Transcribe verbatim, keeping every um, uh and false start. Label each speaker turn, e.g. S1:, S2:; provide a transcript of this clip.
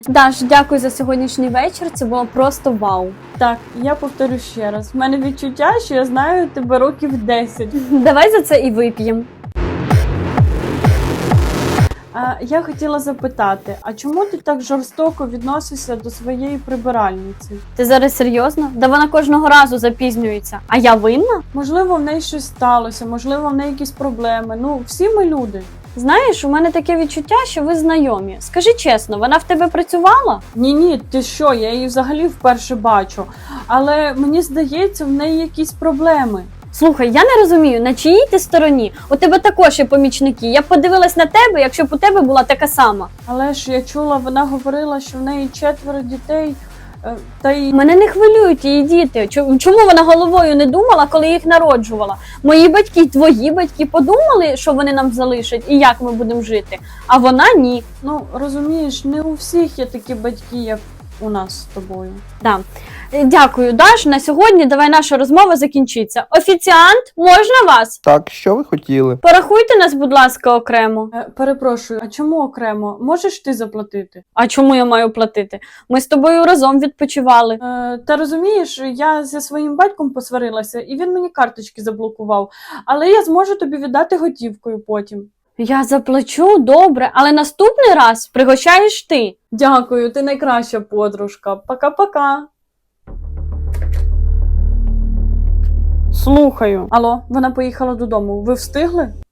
S1: Даш, дякую за сьогоднішній вечір. Це було просто вау.
S2: Так, я повторю ще раз. В мене відчуття, що я знаю тебе років десять.
S1: Давай за це і вип'ємо.
S2: А, я хотіла запитати, а чому ти так жорстоко відносишся до своєї прибиральниці?
S1: Ти зараз серйозно? Да вона кожного разу запізнюється. А я винна?
S2: Можливо, в неї щось сталося, можливо, в неї якісь проблеми. Ну, всі ми люди.
S1: Знаєш, у мене таке відчуття, що ви знайомі. Скажи чесно, вона в тебе працювала?
S2: Ні-ні, ти що, я її взагалі вперше бачу. Але мені здається, в неї якісь проблеми.
S1: Слухай, я не розумію, на чиїй ти стороні? У тебе також є помічники. Я б подивилась на тебе, якщо б у тебе була така сама.
S2: Але ж я чула, вона говорила, що в неї четверо дітей, е, та й...
S1: Мене не хвилюють її діти. Чому чому вона головою не думала, коли їх народжувала? Мої батьки, твої батьки подумали, що вони нам залишать і як ми будемо жити, а вона ні.
S2: Ну, розумієш, не у всіх є такі батьки, як у нас з тобою.
S1: Да. Дякую, Даш. На сьогодні давай наша розмова закінчиться. Офіціант, можна вас?
S3: Так, що ви хотіли?
S1: Порахуйте нас, будь ласка, окремо.
S2: Е, перепрошую, а чому окремо? Можеш ти заплатити?
S1: А чому я маю платити? Ми з тобою разом відпочивали.
S2: Е, та розумієш, я зі своїм батьком посварилася, і він мені карточки заблокував. Але я зможу тобі віддати готівкою потім.
S1: Я заплачу, добре, але наступний раз пригощаєш ти.
S2: Дякую, ти найкраща подружка. Пока-пока.
S1: Слухаю.
S2: Алло, вона поїхала додому. Ви встигли?